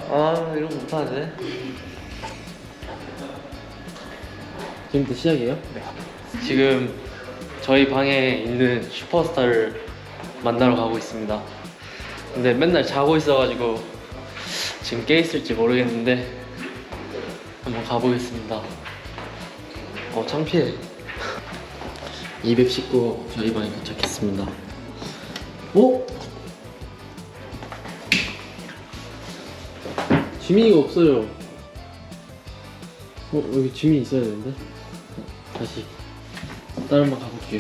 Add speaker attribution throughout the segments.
Speaker 1: 아 이런 거 못하네.
Speaker 2: 지금부터 시작이에요?
Speaker 1: 네. 지금 저희 방에 있는 슈퍼스타를 만나러 가고 있습니다. 근데 맨날 자고 있어가지고 지금 깨 있을지 모르겠는데 한번 가보겠습니다. 창피해. 219 저희 방에 도착했습니다. 오? 지민이가 없어요. 여기 지민이 있어야 되는데. 다시 다른 방 가볼게요.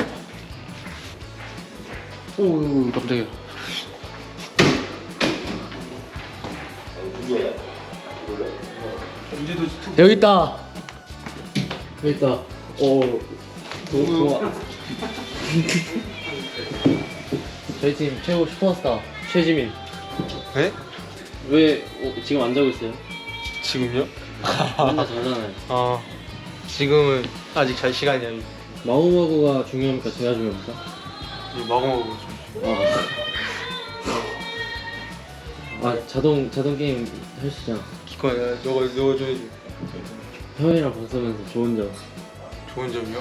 Speaker 1: 오 깜짝이야. 여기 있다. 여기 있다. 좋아. 저희 팀 최고 슈퍼스타 최지민.
Speaker 3: 네?
Speaker 1: 왜 지금 안 자고 있어요?
Speaker 3: 지금요?
Speaker 1: 맨날 자잖아요.
Speaker 3: 지금은 아직 잘 시간이 아니.
Speaker 2: 마구마구가 중요합니까? 제가 중요합니까?
Speaker 3: 마구마구 좀.
Speaker 2: 자동 게임 하시잖아.
Speaker 3: 기꺼이 너가 줘야지.
Speaker 2: 형이랑 방 쓰면서 좋은 점.
Speaker 3: 좋은 점이요?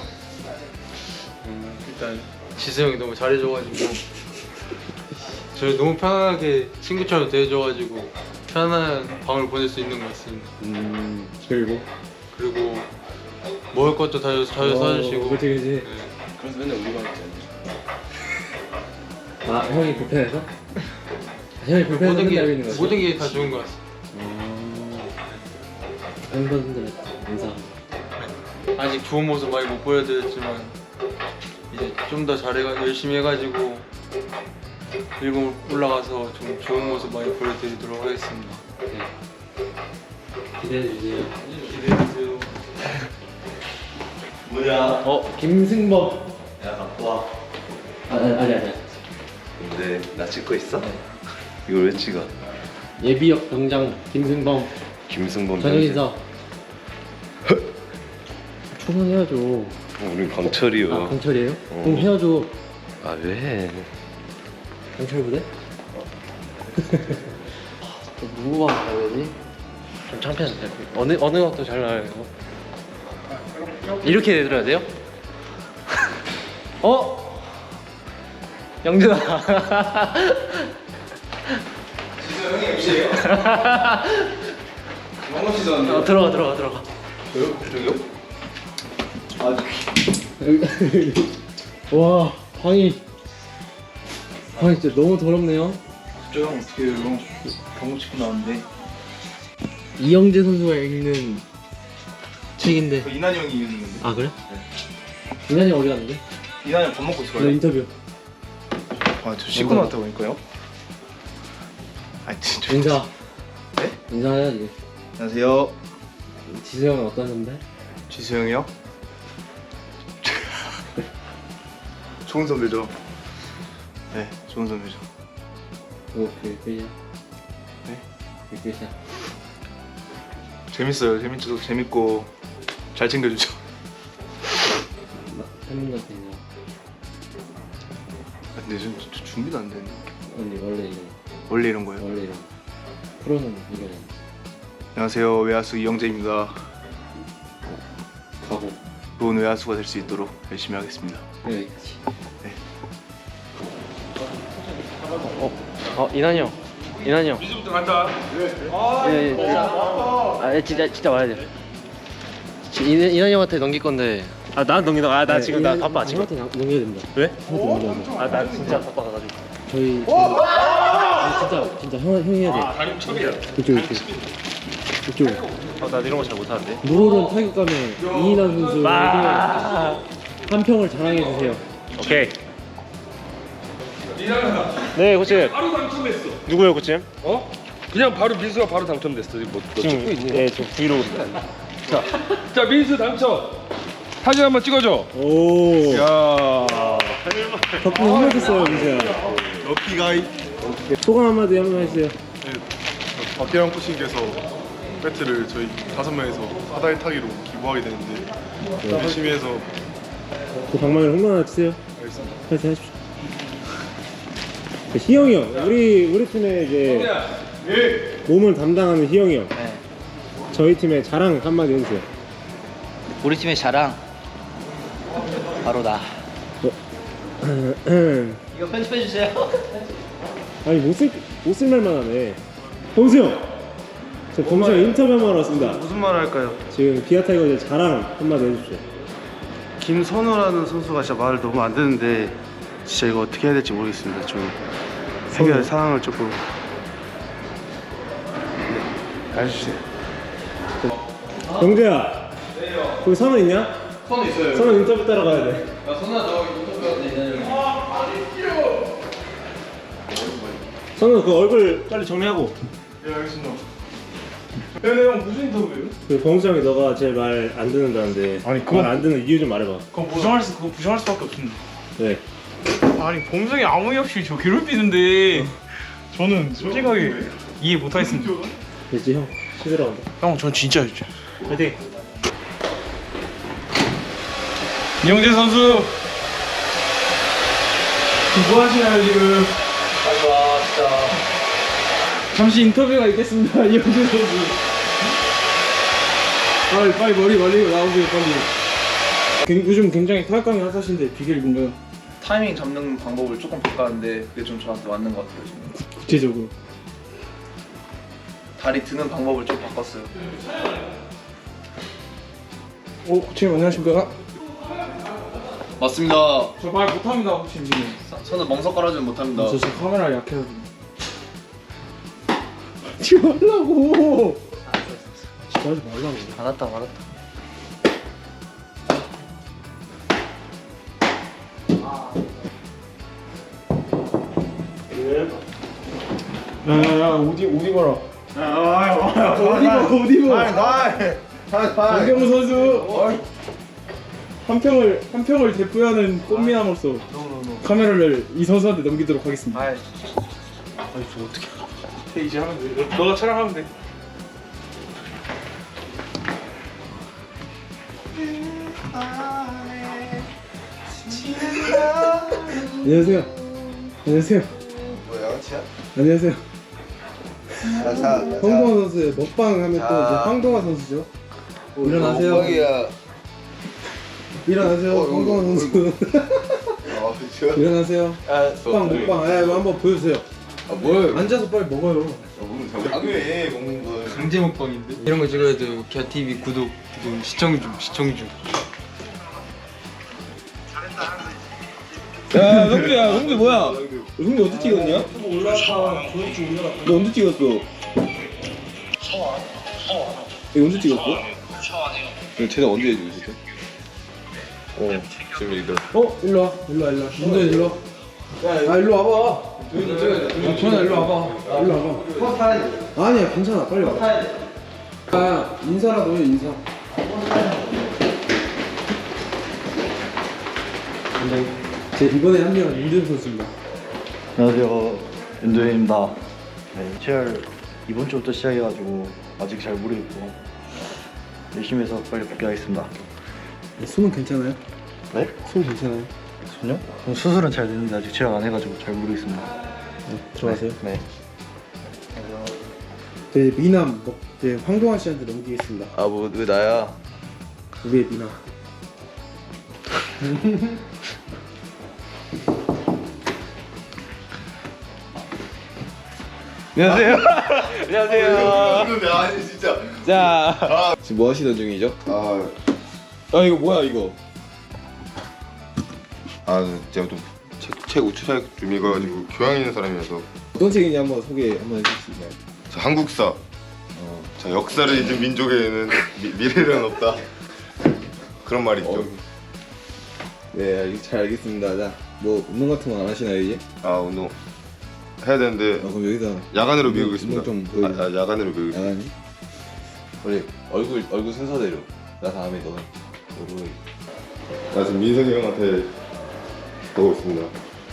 Speaker 3: 일단 지수 형이 너무 잘해줘가지고 저희 너무 편하게 친구처럼 대해줘가지고 편안한 밤을 보낼 수 있는 것 같습니다.
Speaker 2: 그리고
Speaker 3: 먹을 것도 자주 사주시고.
Speaker 2: 그치.
Speaker 3: 네.
Speaker 4: 그래서 맨날 우리 방에 있잖아.
Speaker 2: 형이 불편해서? 형이 불편해서
Speaker 3: 모든
Speaker 2: 맨날 있는 거지?
Speaker 3: 모든 게 다 좋은 것 같습니다.
Speaker 2: 팬분들 인사.
Speaker 3: 아직 좋은 모습 많이 못 보여드렸지만 이제 좀 더 열심히 해가지고 일곱 올라가서 좀 좋은 모습 많이 보여드리도록 하겠습니다.
Speaker 2: 기대해주세요.
Speaker 3: 기대해주세요.
Speaker 4: 뭐야?
Speaker 2: 김승범.
Speaker 4: 야 갖고 와.
Speaker 2: 아니.
Speaker 4: 근데 나 찍고 있어? 이걸 왜 찍어?
Speaker 2: 예비역 병장 김승범.
Speaker 4: 김승범
Speaker 2: 저녁 인사. 초상해야죠.
Speaker 4: 우린 강철이요.
Speaker 2: 강철이에요? 그럼 해야죠.
Speaker 4: 아 왜?
Speaker 2: 강철 부대?
Speaker 1: 또 누구 방 가야 되지? 좀 창피한데. 어느 것도 잘 나와요. 이렇게 내들어야 돼요? 영준아.
Speaker 3: 진짜 형이 MC예요? 영어 씨도
Speaker 1: 들어가.
Speaker 3: 왜요? 저기요?
Speaker 2: 와, 방이 진짜 너무 더럽네요.
Speaker 3: 저형 어떻게 해요? 경고 찍고 나왔는데
Speaker 2: 이영재 선수가 읽는 책인데.
Speaker 3: 이난이 형이 읽는 건데.
Speaker 2: 아 그래? 이난이 어디 갔는데?
Speaker 3: 이난이 형 밥 먹고 있을
Speaker 2: 나
Speaker 3: 거예요?
Speaker 2: 인터뷰.
Speaker 3: 저 씻고 나왔다고 하니까요? 진짜.
Speaker 2: 인사.
Speaker 3: 네?
Speaker 2: 인사해야지.
Speaker 3: 안녕하세요.
Speaker 2: 지수 형은 어떤 선배?
Speaker 3: 지수 형이요? 좋은 선배죠. 네, 좋은 선배죠.
Speaker 2: 그게 끝이야?
Speaker 3: 네?
Speaker 2: 그게 끝이야?
Speaker 3: 재밌어요. 재밌고 잘 챙겨주죠.
Speaker 2: 팬분들한테 인사.
Speaker 3: 근데 좀 준비도 안 되는데.
Speaker 2: 언니 원래
Speaker 3: 원래 이런 거예요?
Speaker 2: 이런 프로는 이거잖아.
Speaker 3: 안녕하세요. 외야수 이영재입니다.
Speaker 2: 가고
Speaker 3: 좋은 외야수가 될 수 있도록 열심히 하겠습니다.
Speaker 2: 여기까지.
Speaker 1: 이난이 형.
Speaker 3: 미즈부터 간다.
Speaker 1: 예. 진짜 와야 돼. 이난이 형한테 넘길 건데.
Speaker 5: 난 넘긴다. 나 지금 나 바빠 지금.
Speaker 2: 형한테 넘겨야 됩니다.
Speaker 5: 왜?
Speaker 2: 형한테 넘겨야 돼.
Speaker 5: 나 진짜 바빠가지고.
Speaker 2: 저희 진짜 형이 해야 돼.
Speaker 5: 다리 첩이야.
Speaker 2: 이쪽.
Speaker 5: 나 이런 거 잘 못하는데.
Speaker 2: 노롤은 타격감에 이인환 선수에게 한 평을 자랑해 주세요.
Speaker 5: 오케이. 네, 코치.
Speaker 6: 바로 당첨됐어.
Speaker 5: 누구예요, 코치?
Speaker 6: 그냥 바로 민수가 바로 당첨됐어. 뭐 찍고 있니?
Speaker 5: 네, 저 브이로그입니다.
Speaker 6: 자 민수 당첨. 사진 한번 찍어줘.
Speaker 2: 오.
Speaker 6: 야.
Speaker 2: 덕분에 힘내셨어요, 민수야.
Speaker 3: 럭키가이.
Speaker 2: 소감 한마디 한번 해주세요.
Speaker 3: 박대영 코치님께서 배트를 저희 5명에서 사다리 타기로 기부하게 되는데 열심히 해서
Speaker 2: 그 방망이를 홈런 하나 치세요.
Speaker 3: 하겠습니다.
Speaker 2: 파이팅 하십시오. 희영이 형, 우리 팀에 이제 몸을 담당하는 희영이 형.
Speaker 7: 네.
Speaker 2: 저희 팀의 자랑 한마디 해주세요.
Speaker 7: 우리 팀의 자랑 바로 나. 이거 편집해 주세요.
Speaker 2: 아니 못쓸 말만 하네. 범수 형. 저 범수 형 인터뷰 한번 하러 왔습니다.
Speaker 8: 무슨 말 할까요?
Speaker 2: 지금 기아 타이거즈 자랑 한마디 해주십시오.
Speaker 8: 김선우라는 선수가 진짜 말을 너무 안 듣는데 진짜 이거 어떻게 해야 될지 모르겠습니다. 좀 해결 상황을 조금 알려주세요.
Speaker 2: 영재야. 거기 선우 있냐? 선우 있어요. 선우 인터뷰 따러 가야 돼. 선우 그 얼굴 빨리 정리하고.
Speaker 6: 근데 형 무슨 인터뷰예요?
Speaker 2: 그 범수 형이 너가 제 말 안 듣는다는데.
Speaker 6: 아니, 그건-
Speaker 2: 말 안 듣는 이유 좀 말해봐.
Speaker 6: 그거 부정할 수밖에 없습니다.
Speaker 2: 네.
Speaker 6: 아니 범성이 아무 이유 없이 저 괴롭히는데 저는 솔직하게 이해 못하겠습니다.
Speaker 2: 됐지 형. 시들어 간다.
Speaker 6: 형, 전 진짜였죠.
Speaker 2: 화이팅.
Speaker 6: 이영재 선수 뭐 하시나요 지금? 잠시 인터뷰가 있겠습니다. 이영재 선수. 빨리 머리 말리고 나오세요 빨리. 요즘 굉장히 타격감이 핫하신데 비결이 뭔가요?
Speaker 9: 타이밍 잡는 방법을 조금 바꿨는데 그게 좀 저한테 맞는 것 같아요. 지금
Speaker 6: 구체적으로.
Speaker 9: 다리 드는 방법을 좀 바꿨어요.
Speaker 6: 코치님 안녕하십니까?
Speaker 9: 맞습니다.
Speaker 6: 저 말 못합니다 코치님 지금.
Speaker 9: 손을 멍석 깔아주면 못합니다.
Speaker 6: 저 지금 카메라 약해서 지금 말라고.
Speaker 2: 하지 말라고.
Speaker 7: 알았다 알았다.
Speaker 6: 야야야 옷 입어라. 옷 입어. 정경우 선수 한 평을 대표하는 꽃미남으로서 카메라를 이 선수한테 넘기도록 하겠습니다. 아이 저 어떻게? 이제 하면 돼. 너가 촬영하면 돼.
Speaker 2: 안녕하세요. 안녕하세요.
Speaker 4: 뭐 양치야?
Speaker 2: 안녕하세요.
Speaker 4: 자,
Speaker 2: 황동화 선수의 먹방 하면 또 이제 황동화 선수죠. 일어나세요.
Speaker 4: 먹방이야.
Speaker 2: 일어나세요. 황동화 선수.
Speaker 4: 좋아.
Speaker 2: 일어나세요. 먹방. 아, 이거 한번 보여주세요.
Speaker 4: 뭘?
Speaker 2: 앉아서 빨리 먹어요.
Speaker 4: 왜 먹는 거?
Speaker 3: 강제 먹방인데? 이런 거 찍어야 돼요. 기아 TV 구독, 지금 시청 중.
Speaker 6: 야 성규 뭐야? 성규 언제 찍었냐? 너 언제 찍었어? 이거 언제 찍었어?
Speaker 4: 쟤는 언제 해주고 있었어? 지금 이거.
Speaker 2: 일로 와. 문도 일로 와. 아, 일로 와봐. 전화 일로 와봐. 일로 와봐. 아니야, 괜찮아. 빨리 와. 아, 인사라도 해, 인사. 제 이번에 합류한 윤준 선수입니다.
Speaker 10: 안녕하세요, 윤도현입니다. 네, 체열 이번 주부터 시작해가지고 아직 잘 모르겠고 열심히 해서 빨리 복귀하겠습니다.
Speaker 2: 숨은 괜찮아요?
Speaker 10: 네?
Speaker 2: 숨 괜찮아요?
Speaker 10: 손요? 수술은 잘 됐는데 아직 체열 안 해가지고 잘 모르겠습니다.
Speaker 2: 들어가세요.
Speaker 10: 네.
Speaker 2: 네, 미남 네, 황동환 씨한테 넘기겠습니다.
Speaker 4: 아, 뭐 왜 나야?
Speaker 2: 우리의 미남.
Speaker 4: 안녕하세요. 안녕하세요. 아니 진짜. 자. 지금 뭐 하시던 중이죠?
Speaker 8: 이거 뭐야 이거?
Speaker 11: 제가 좀 책 우추사역 좀 읽어가지고 교양 있는 사람이어서.
Speaker 8: 어떤 책인지 한번 소개 한번 해줄 수 있나요?
Speaker 11: 자, 한국사. 자, 역사를 잊은 민족에는 미래는 없다. 그런 말이 있죠.
Speaker 8: 네, 잘 알겠습니다. 자, 뭐 운동 같은 건 안 하시나요 이제?
Speaker 11: 운동 해야 되는데
Speaker 8: 그럼 여기서
Speaker 11: 야간으로
Speaker 8: 운동
Speaker 11: 배우고 있습니다.
Speaker 8: 좀 보여주세요.
Speaker 11: 야간으로 배우고 있습니다.
Speaker 8: 야간이?
Speaker 4: 우리 얼굴 순서대로. 나 다음에 너는. 너로.
Speaker 11: 나 지금 민석이 형한테 보고 있습니다.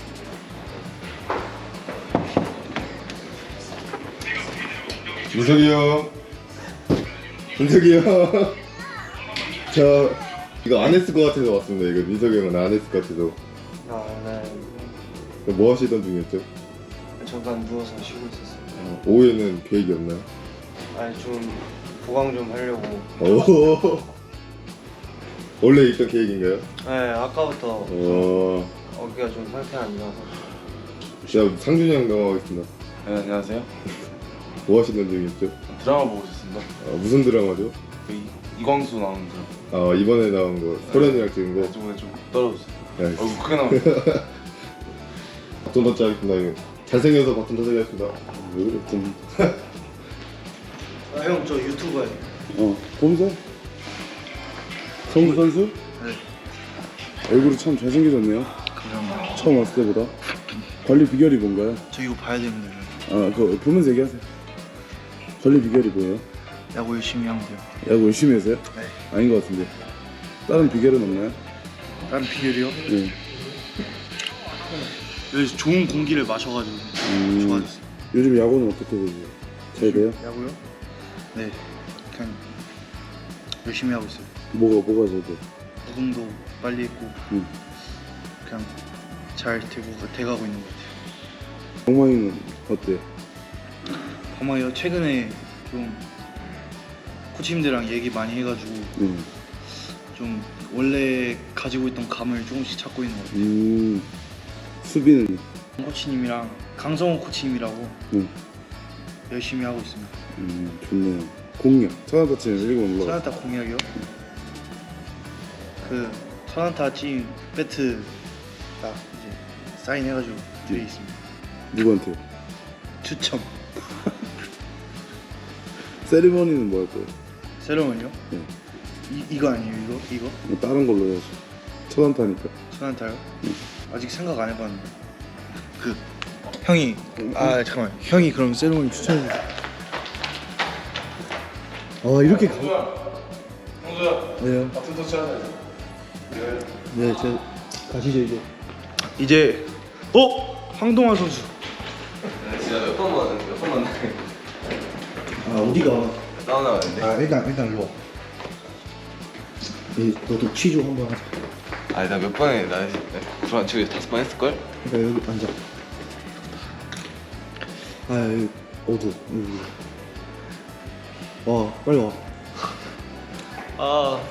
Speaker 11: 민석이 형. 민석이 형. 저 이거 안 했을 것 같아서 왔습니다. 이거 민석이 형은 안 했을 것 같아서.
Speaker 10: 네.
Speaker 11: 뭐 하시던 중이었죠?
Speaker 10: 잠깐 누워서 쉬고 있었어요.
Speaker 11: 오후에는 계획이 없나요?
Speaker 8: 아니 좀 보강 좀 하려고.
Speaker 11: 오. 원래 있던 계획인가요?
Speaker 8: 네 아까부터 어깨가 좀 상태가 안 좋아서.
Speaker 11: 자, 상준이 형 넘어가겠습니다.
Speaker 4: 네, 안녕하세요.
Speaker 11: 뭐 하시는 중이었죠?
Speaker 4: 드라마 보고 있었습니다.
Speaker 11: 무슨 드라마죠?
Speaker 4: 이광수 나오는 드라마.
Speaker 11: 이번에 나온 거 소련이랑 찍은 거.
Speaker 4: 저번에 좀 떨어졌어요.
Speaker 11: 네.
Speaker 4: 얼굴 크게 나오네.
Speaker 11: 바톤 터치 하겠습니다. 형님. 잘생겨서 바톤 터치 하겠습니다. 왜 그래 좀.
Speaker 8: 형 저 유튜버예요.
Speaker 2: 보면서 성우 선수?
Speaker 8: 네.
Speaker 2: 얼굴이 참 잘생겨졌네요.
Speaker 8: 감사합니다.
Speaker 2: 처음 왔을 때보다. 관리 비결이 뭔가요?
Speaker 8: 저 이거 봐야 되는데.
Speaker 2: 그거 보면서 얘기하세요. 관리 비결이 뭐예요?
Speaker 8: 야구 열심히 하면 돼요.
Speaker 2: 야구 열심히 해서요?
Speaker 8: 네.
Speaker 2: 아닌 것 같은데. 다른 비결은 없나요?
Speaker 8: 다른 비결이요?
Speaker 2: 네.
Speaker 8: 여기서 좋은 공기를 마셔가지고 좋아졌어요.
Speaker 2: 요즘 야구는 어떻게 되세요? 잘 돼요?
Speaker 8: 야구요? 네. 그냥 열심히 하고 있어요.
Speaker 2: 뭐가 잘 돼?
Speaker 8: 무궁도 빨리 했고 그냥 잘 돼가고 있는 것 같아요.
Speaker 2: 정마이는 어때?
Speaker 8: 범아이요 최근에 좀 코치님들이랑 얘기 많이 해가지고 좀 원래 가지고 있던 감을 조금씩 찾고 있는 것 같아요.
Speaker 2: 수비는?
Speaker 8: 코치님이랑 강성호 코치님이라고
Speaker 2: 응.
Speaker 8: 열심히 하고 있습니다.
Speaker 2: 좋네요. 공략 천안타 치면 1군 올라가.
Speaker 8: 천안타 공약이요? 그 천안타 찐 배트 딱 이제 사인해가지고 뒤에 있습니다.
Speaker 2: 누구한테?
Speaker 8: 추첨.
Speaker 2: 세리머니는 뭐 할 거예요?
Speaker 8: 세레머니요?
Speaker 2: 네.
Speaker 8: 이거 아니에요 이거?
Speaker 2: 뭐 다른 걸로 해야지. 천안타니까.
Speaker 8: 천안타요? 아직 생각 안 해봤는데. 그 형이 잠깐만 형이 그럼 세레머니 추천해 주세요. 이렇게
Speaker 4: 형수야.
Speaker 8: 네요.
Speaker 4: 바톤 터치 하자.
Speaker 8: 네, 가시죠 이제. 황동환 선수.
Speaker 4: 진짜 몇 번 만났는데.
Speaker 8: 어디가?
Speaker 4: 사우나 갔는데.
Speaker 8: 일단 일로 와. 너도 취조 한번 하자.
Speaker 4: 아니 나 몇 번에 나 불안 치고 5번 했을걸?
Speaker 8: 그러니까 여기 앉아. 여기 어두. 와 빨리 와.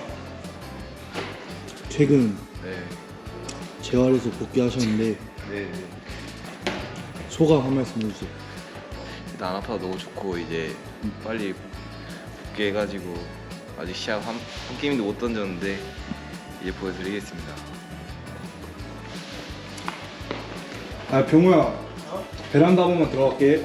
Speaker 8: 최근
Speaker 4: 네.
Speaker 8: 재활에서 복귀하셨는데
Speaker 4: 네.
Speaker 8: 소감 한 말씀 해주세요.
Speaker 4: 일단 안 아파도 너무 좋고 이제 빨리 복귀해가지고 아직 시합 한 게임도 못 던졌는데 이제 보여드리겠습니다.
Speaker 6: 병우야 베란다 한 번만 들어갈게.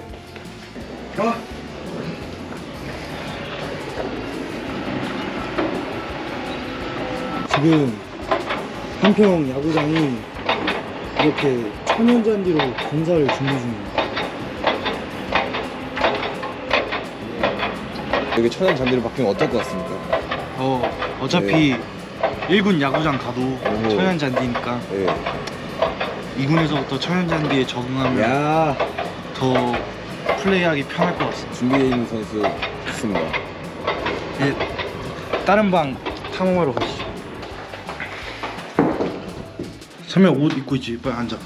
Speaker 8: 지금 한평 야구장이 이렇게 천연잔디로 공사를 준비 중입니다.
Speaker 11: 여기 천연 잔디로 바뀌면 어떨 것 같습니까?
Speaker 8: 어차피 1군 야구장 가도
Speaker 11: 오.
Speaker 8: 천연잔디니까
Speaker 11: 네.
Speaker 8: 2군에서부터 천연잔디에 적응하면 더 플레이하기 편할 것 같습니다.
Speaker 11: 준비되어 있는 선수 있습니다.
Speaker 8: 다른 방 탐험하러 가시죠. 선배 옷 입고 있지? 빨리 앉아.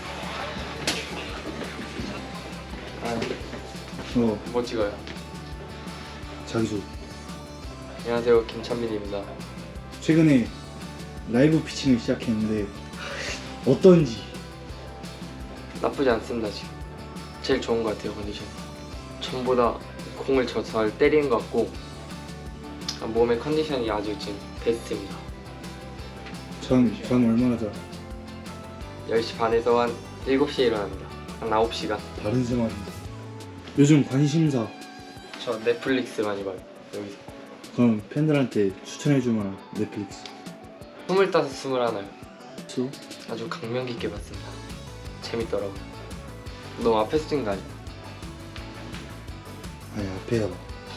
Speaker 3: 뭐 찍어요?
Speaker 8: 자기소개.
Speaker 3: 안녕하세요, 김찬민입니다.
Speaker 8: 최근에 라이브 피칭을 시작했는데 어떤지?
Speaker 3: 나쁘지 않습니다. 지금 제일 좋은 것 같아요, 컨디션. 전보다 공을 잘 때리는 것 같고 몸의 컨디션이 아주 지금 베스트입니다.
Speaker 8: 전 얼마나 자?
Speaker 3: 10시 반에서 한 7시에 일어납니다. 한 9시간.
Speaker 8: 다른 생활인데. 요즘 관심사.
Speaker 3: 저 넷플릭스 많이 봐요, 여기서.
Speaker 8: 그럼 팬들한테 추천해줄 만한 넷플릭스.
Speaker 3: 25, 21요.
Speaker 8: 수?
Speaker 3: 아주 감명 깊게 봤습니다. 재밌더라고요. 너무 앞에서 찍은 거 아니야?
Speaker 8: 아니 앞에야 봐.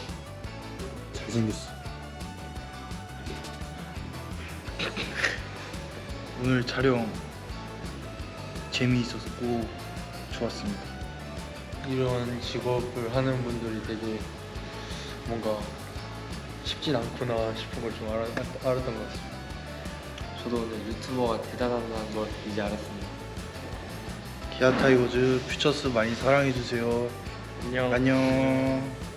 Speaker 8: 잘생겼어. 오늘 촬영 재미있었고 좋았습니다.
Speaker 3: 이런 직업을 하는 분들이 되게 뭔가 쉽진 않구나 싶은 걸 좀 알았던 것 같습니다. 저도 오늘 유튜버가 대단하다는 걸 이제 알았습니다.
Speaker 8: 기아 타이거즈 퓨처스 많이 사랑해주세요.
Speaker 6: 안녕.
Speaker 8: 안녕.